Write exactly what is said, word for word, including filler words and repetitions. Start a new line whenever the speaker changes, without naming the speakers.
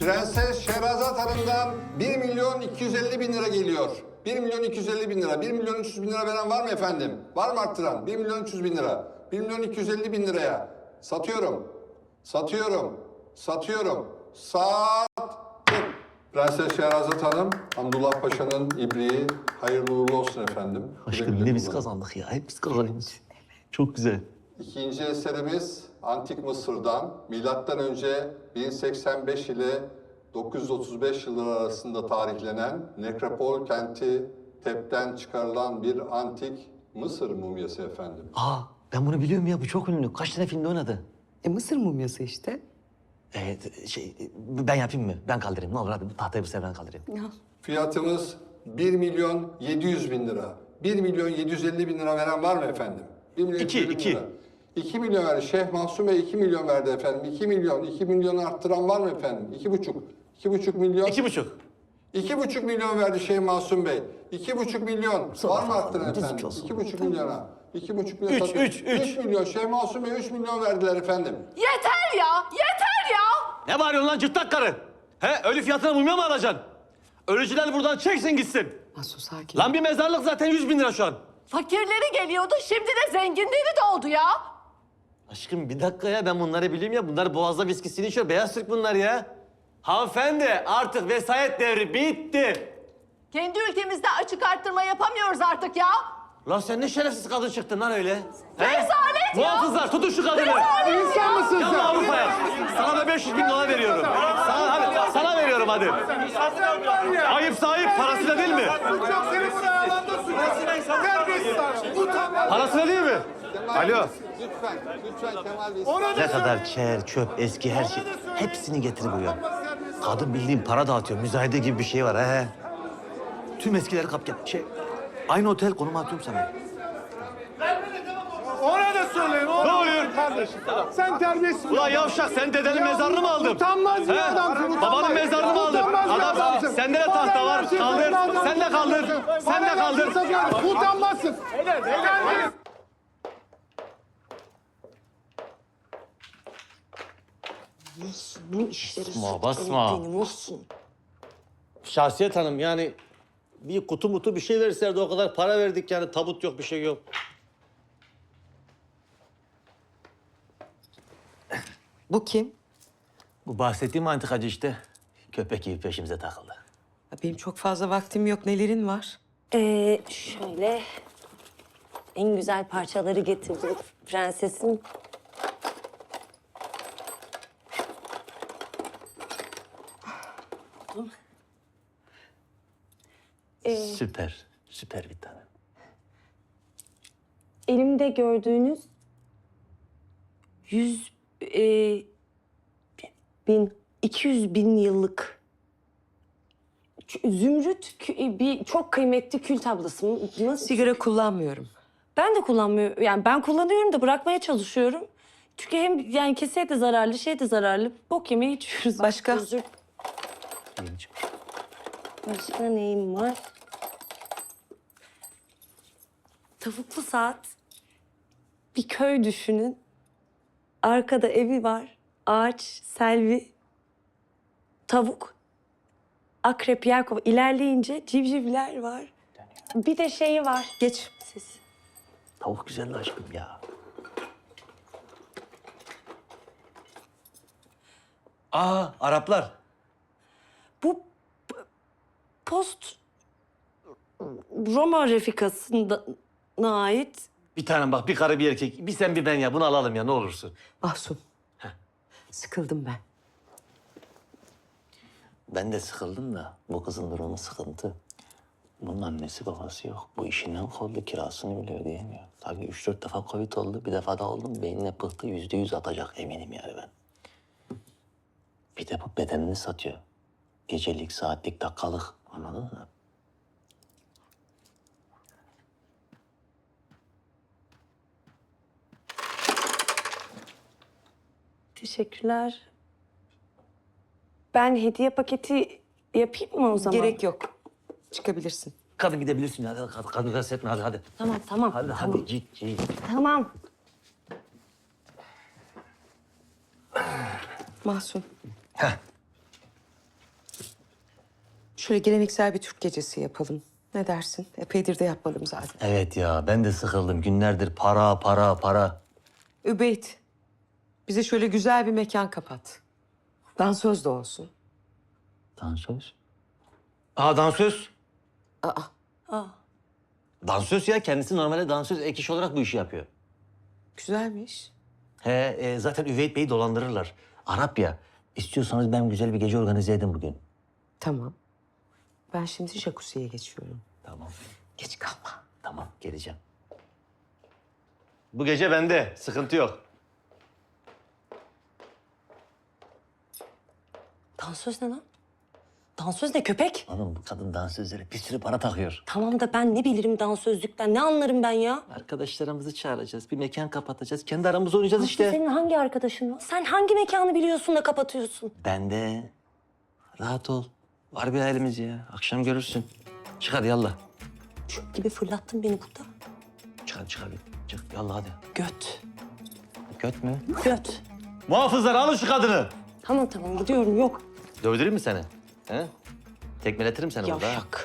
Prenses Şehrazat Hanım'dan bir milyon iki yüz elli bin lira geliyor. bir milyon iki yüz elli bin lira. bir milyon üç yüz bin lira veren var mı efendim? Var mı arttıran? bir milyon üç yüz bin lira. bir milyon iki yüz elli bin liraya. Satıyorum. Satıyorum. Satıyorum. Sattım. Prenses Şehrazat Hanım, Hamdullah Paşa'nın ibriği hayırlı uğurlu olsun efendim.
Aşkım yine biz kazandık ya. Hep biz kazanıyoruz. Çok güzel.
İkinci eserimiz Antik Mısır'dan milattan önce bin seksen beş ile dokuz yüz otuz beş yılları arasında tarihlenen Nekropol kenti Tep'ten çıkarılan bir antik Mısır mumyası efendim.
Aa ben bunu biliyorum ya. Bu çok ünlü. Kaç tane filmde oynadı?
E Mısır mumyası işte.
Evet şey ben yapayım mı? Ben kaldırayım. Ne olur hadi bu tahtayı bu sefer ben kaldırayım.
Ya.
Fiyatımız bir milyon yedi yüz bin lira. bir milyon yedi yüz elli bin lira veren var mı efendim? bir milyon
İki,
yedi yüz elli bin
iki.
lira. iki milyon verdi. Şeyh Mahsum Bey iki milyon verdi efendim. iki milyon. iki milyonu arttıran var mı efendim? iki buçuk. iki buçuk milyon.
İki buçuk.
İki buçuk milyon verdi Şeyh Mahsum Bey. İki buçuk milyon. Var mı arttıran
Düzgün
efendim?
olsun.
İki buçuk milyona. İki buçuk milyon.
Üç,
satıyor.
üç, üç.
Üç milyon. Şeyh Mahsum Bey üç milyon verdiler efendim.
Yeter ya, yeter ya.
Ne bağırıyorsun lan cırtlak karı? He ölü fiyatına mumya mı alacaksın? Ölücüler buradan çeksin gitsin.
Mahsun sakin.
Lan bir mezarlık zaten yüz bin lira şu an.
Fakirleri geliyordu, şimdi de zenginleri de oldu ya.
Aşkım bir dakika ya ben bunları biliyorum ya. Bunlar boğazda viskisini içiyor. Beyaz Türk bunlar ya. Hanımefendi artık vesayet devri bitti.
Kendi ülkemizde açık arttırma yapamıyoruz artık ya.
Lan sen ne şerefsiz kadın çıktın lan öyle. He?
Rezalet ya.
Muhafızlar tutun şu kadını.
İnsan mısın
Gel lan Avrupa'ya. Sana da beş yüz bin dolar veriyorum. Sana, hadi, sana veriyorum hadi. Ayıp sahip parasıyla değil mi? Parasıyla değil mi? Alo.
Lütfen. Lütfen Kemal Bey.
Ne kadar çer, çöp, eski her şey. Hepsini getir buraya. Kadın bildiğin para dağıtıyor. Müzayede gibi bir şey var he. Tüm eskileri kap gel. Şey, aynı otel konumu atıyorum sana.
Ona da söyleyin. Ona
Ne oluyor?
Kardeşim. Sen terbiyesiz.
Ulan yavşak sen dedenin mezarını mı aldın?
Utanmaz bir
He?
adamsın. Utanmaz.
Babanın mezarını mı aldın?
Utanmaz bir
Adam,
adamsın.
sende de
Bana
tahta var.
her şeyi
Kaldır.
sen adamsın.
Sen de kaldır. Sen de
Bana
kaldır.
her şeyi sen- Utanmazsın. Terbiyesiz.
Bu işleri
Basma, basma.
benim olsun.
Şahsiyet Hanım yani bir kutu mutu bir şey verselerdi o kadar para verdik yani tabut yok bir şey yok.
Bu kim?
Bu bahsettiğim antikacı işte. Köpek gibi peşimize takıldı.
Ya benim çok fazla vaktim yok. Nelerin var?
Ee, şöyle en güzel parçaları getirdim prensesin. Ee,
Süper, süper bir tane.
elimde gördüğünüz yüz e, bin, iki yüz bin yıllık ç- zümrüt kü- bir çok kıymetli kül tablası. Nasıl?
Sigara kullanmıyorum.
Ben de kullanmıyorum. Yani ben kullanıyorum da bırakmaya çalışıyorum. Çünkü hem yani keseye de zararlı, şey de zararlı. Bok yemeği içiyoruz.
Başka?
Özür- Başka neyim var? Tavuklu saat. Bir köy düşünün. Arkada evi var. Ağaç, selvi, tavuk, akrep, yelkova. İlerleyince civcivler var. Bir de şeyi var.
Geç.
Siz.
Tavuk güzeldi aşkım ya. Aa Araplar.
Bu p- post Roma refikasına ait.
Bir tane bak bir karı bir erkek. Bir sen bir ben ya bunu alalım ya ne olursun.
Mahsun. Sıkıldım ben.
Ben de sıkıldım da bu kızın durumu sıkıntı. Bunun annesi babası yok. Bu işinden kovdu, kirasını bile ödeyemiyor. Tabii üç dört defa Covid oldu, bir defa da oldum. Beynine pıhtı yüzde yüz atacak eminim yani ben. Bir de bu bedenini satıyor. Gecelik, saatlik, dakikalık. Anladın mı?
Teşekkürler. Ben hediye paketi yapayım mı o zaman?
Gerek yok. Çıkabilirsin.
Kadın gidebilirsin ya. Kadın, kadın rahatsız etme hadi hadi.
Tamam tamam.
Hadi
tamam.
hadi git git.
Tamam.
Mahsun.
Heh.
şöyle geleneksel bir Türk gecesi yapalım. Ne dersin? Epeydir de yapmadım zaten.
Evet ya ben de sıkıldım. Günlerdir para para para.
Übeyt, bize şöyle güzel bir mekan kapat. Dansöz de olsun.
Dansöz? Aa dansöz.
Aa,
Aa,
Dansöz ya kendisi normalde dansöz ek iş olarak bu işi yapıyor.
güzelmiş.
He e, zaten Üveyt Bey'i dolandırırlar. Arap ya. İstiyorsanız ben güzel bir gece organize edeyim bugün.
Tamam. Ben şimdi jacuzziye geçiyorum.
Tamam.
Geç kalma.
Tamam geleceğim. Bu gece bende. Sıkıntı yok.
dansöz ne lan? Dansöz ne köpek?
Oğlum bu kadın dansözlere bir sürü para takıyor.
Tamam da ben ne bilirim dansözlükten, ne anlarım ben ya?
Arkadaşlarımızı çağıracağız. Bir mekan kapatacağız. Kendi aramızda oynayacağız işte.
Senin hangi arkadaşın var? Sen hangi mekanı biliyorsun da kapatıyorsun?
Ben de. Rahat ol. Var bir halimiz ya. Akşam görürsün. Çık hadi yallah.
Çöp gibi fırlattın beni burada.
Çık hadi çık hadi. Çık yallah hadi.
Göt.
Göt mü?
Göt.
Muhafızlar alın şu kadını.
Tamam tamam gidiyorum yok.
Dövdüreyim mi seni? He? Tekmeletirim seni burada. ha.
Yavşak.